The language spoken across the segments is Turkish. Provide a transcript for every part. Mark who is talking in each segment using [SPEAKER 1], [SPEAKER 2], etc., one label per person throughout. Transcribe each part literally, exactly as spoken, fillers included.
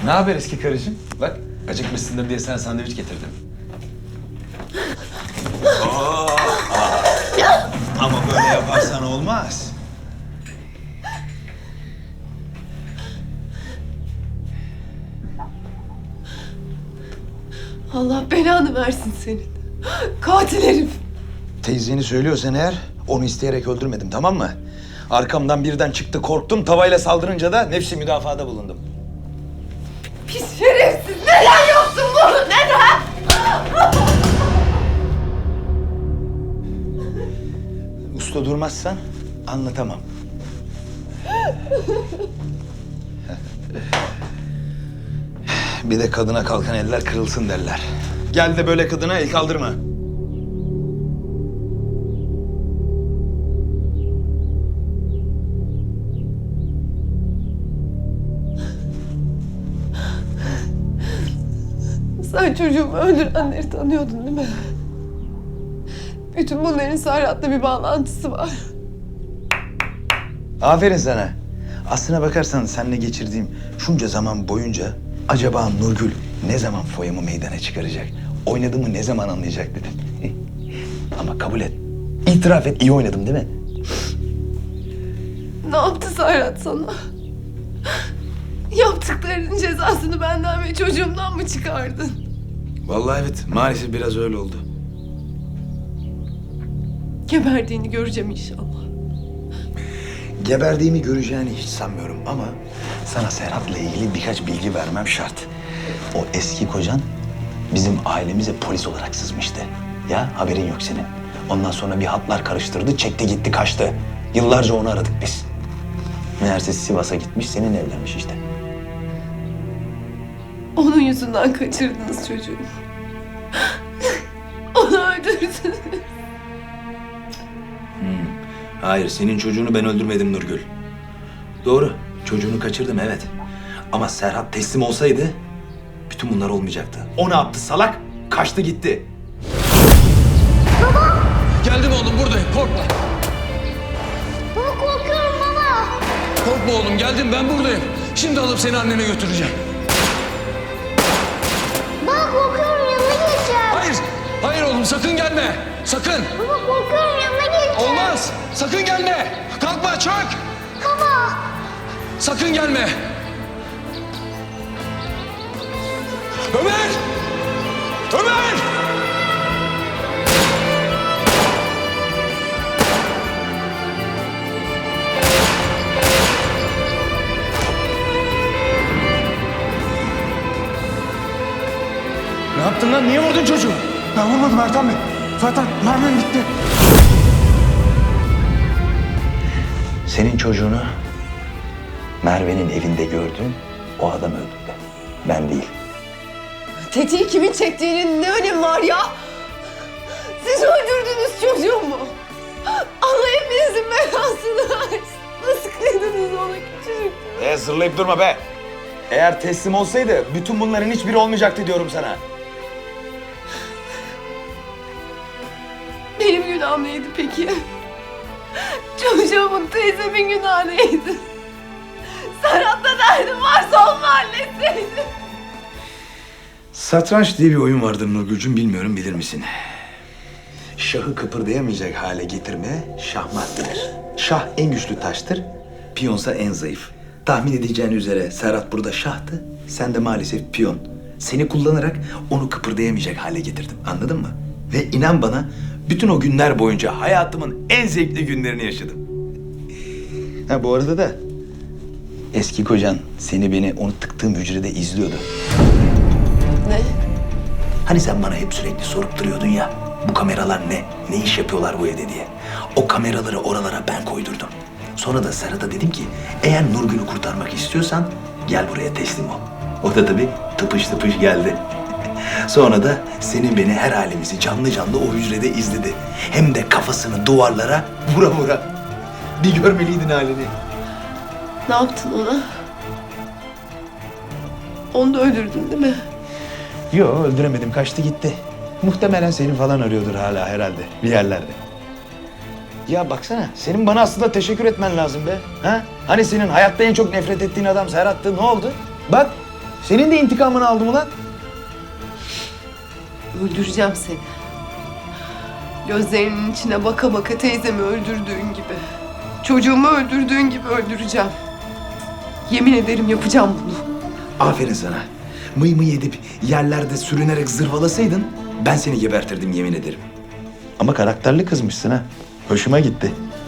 [SPEAKER 1] Ne haber eski karıcığım? Bak acıkmışsındır diye sana sandviç getirdim.
[SPEAKER 2] Oo, ama böyle yaparsan olmaz.
[SPEAKER 3] Allah belanı versin senin. Katil herif.
[SPEAKER 2] Teyzeni söylüyorsan eğer onu isteyerek öldürmedim, tamam mı? Arkamdan birden çıktı, korktum, tavayla saldırınca da nefsi müdafaada bulundum.
[SPEAKER 3] Pis şerefsiz. Neden yaptın bunu? Neden?
[SPEAKER 2] Usta durmazsan anlatamam. Bir de kadına kalkan eller kırılsın derler. Gel de böyle kadına el kaldırma.
[SPEAKER 3] Sen çocuğumu öldürenleri tanıyordun değil mi? Bütün bunların Serhat'la bir bağlantısı var.
[SPEAKER 2] Aferin sana. Aslına bakarsan seninle geçirdiğim şunca zaman boyunca acaba Nurgül ne zaman foyamı meydana çıkaracak? Oynadığımı ne zaman anlayacak dedim. Ama kabul et. İtiraf et, iyi oynadım değil mi?
[SPEAKER 3] Ne yaptı Serhat sana? Yaptıklarının cezasını benden ve çocuğumdan mı çıkardın?
[SPEAKER 2] Vallahi evet, maalesef biraz öyle oldu.
[SPEAKER 3] Geberdiğini göreceğim inşallah.
[SPEAKER 2] Geberdiğimi göreceğini hiç sanmıyorum ama sana Serhat'la ilgili birkaç bilgi vermem şart. O eski kocan bizim ailemize polis olarak sızmıştı. Ya haberin yok senin. Ondan sonra bir hatlar karıştırdı, çekti gitti kaçtı. Yıllarca onu aradık biz. Meğerse Sivas'a gitmiş, seninle evlenmiş işte.
[SPEAKER 3] Onun yüzünden kaçırdınız çocuğumu. Onu öldürdünüz.
[SPEAKER 2] Hayır, senin çocuğunu ben öldürmedim Nurgül. Doğru, çocuğunu kaçırdım evet. Ama Serhat teslim olsaydı bütün bunlar olmayacaktı. O ne yaptı salak? Kaçtı gitti.
[SPEAKER 4] Geldim oğlum buradayım korkma.
[SPEAKER 5] Baba korkuyorum baba.
[SPEAKER 4] Korkma oğlum geldim ben buradayım. Şimdi alıp seni annene götüreceğim.
[SPEAKER 5] Baba korkuyorum yanına geçeceğim.
[SPEAKER 4] Hayır, hayır oğlum sakın gelme. Sakın.
[SPEAKER 5] Baba korkuyorum yanına geçeceğim.
[SPEAKER 4] Olmaz. Sakın gelme. Kalkma çök.
[SPEAKER 5] Baba.
[SPEAKER 4] Sakın gelme. Ömer! Ömer!
[SPEAKER 2] Ne yaptın lan? Niye vurdun çocuğu?
[SPEAKER 6] Ben vurmadım Ertan Bey. Zaten mermim bitti.
[SPEAKER 2] Senin çocuğunu Merve'nin evinde gördüm. O adam öldürdü. Ben değil.
[SPEAKER 3] Tetiği kimin çektiğinin ne önemi var ya? Siz öldürdünüz çocuğumu. Allah hepinizin belasını versin. Nasıl kıydınız ona küçücük?
[SPEAKER 2] E zırlayıp durma be. Eğer teslim olsaydı bütün bunların hiçbiri olmayacaktı diyorum sana.
[SPEAKER 3] Benim günahım neydi peki? Çocuğumun teyzemin günahı neydi? Serhat'la derdim varsa onunla halletseydin.
[SPEAKER 2] Satranç diye bir oyun vardır Nurgül'cüm, bilmiyorum bilir misin? Şahı kıpırdayamayacak hale getirme şahmat denir. Şah en güçlü taştır, piyonsa en zayıf. Tahmin edeceğin üzere Serhat burada şahtı, sen de maalesef piyon. Seni kullanarak onu kıpırdayamayacak hale getirdim, anladın mı? Ve inan bana bütün o günler boyunca hayatımın en zevkli günlerini yaşadım. Ha bu arada da eski kocan seni beni onu tıktığım hücrede izliyordu.
[SPEAKER 3] Ne?
[SPEAKER 2] Hani sen bana hep sürekli sorup duruyordun ya, bu kameralar ne, ne iş yapıyorlar bu evde diye. O kameraları oralara ben koydurdum. Sonra da Serhat'a dedim ki, eğer Nurgül'ü kurtarmak istiyorsan gel buraya teslim ol. O da tabii tıpış tıpış geldi. Sonra da senin beni her halimizi canlı canlı o hücrede izledi. Hem de kafasını duvarlara vura vura. Bir görmeliydin halini.
[SPEAKER 3] Ne yaptın ona? Onu da öldürdün değil mi?
[SPEAKER 2] Yo öldüremedim, kaçtı gitti. Muhtemelen seni falan arıyordur hala herhalde bir yerlerde. Ya baksana, senin bana aslında teşekkür etmen lazım be. Ha? Hani senin hayatta en çok nefret ettiğin adam Serhat'tı, ne oldu? Bak, Senin de intikamını aldım ulan.
[SPEAKER 3] Öldüreceğim seni. Gözlerinin içine baka baka teyzemi öldürdüğün gibi. Çocuğumu öldürdüğün gibi öldüreceğim. Yemin ederim yapacağım bunu.
[SPEAKER 2] Aferin sana. Mıy mıy edip yerlerde sürünerek zırvalasaydın ben seni gebertirdim yemin ederim. Ama karakterli kızmışsın ha. Hoşuma gitti.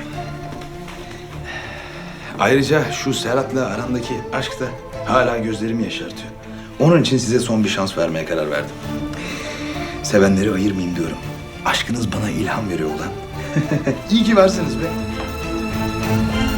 [SPEAKER 2] Ayrıca şu Serhat'la arandaki aşk da hala gözlerimi yaşartıyor. Onun için size son bir şans vermeye karar verdim. Sevenleri ayırmayayım diyorum. Aşkınız bana ilham veriyor ulan. İyi ki varsınız be.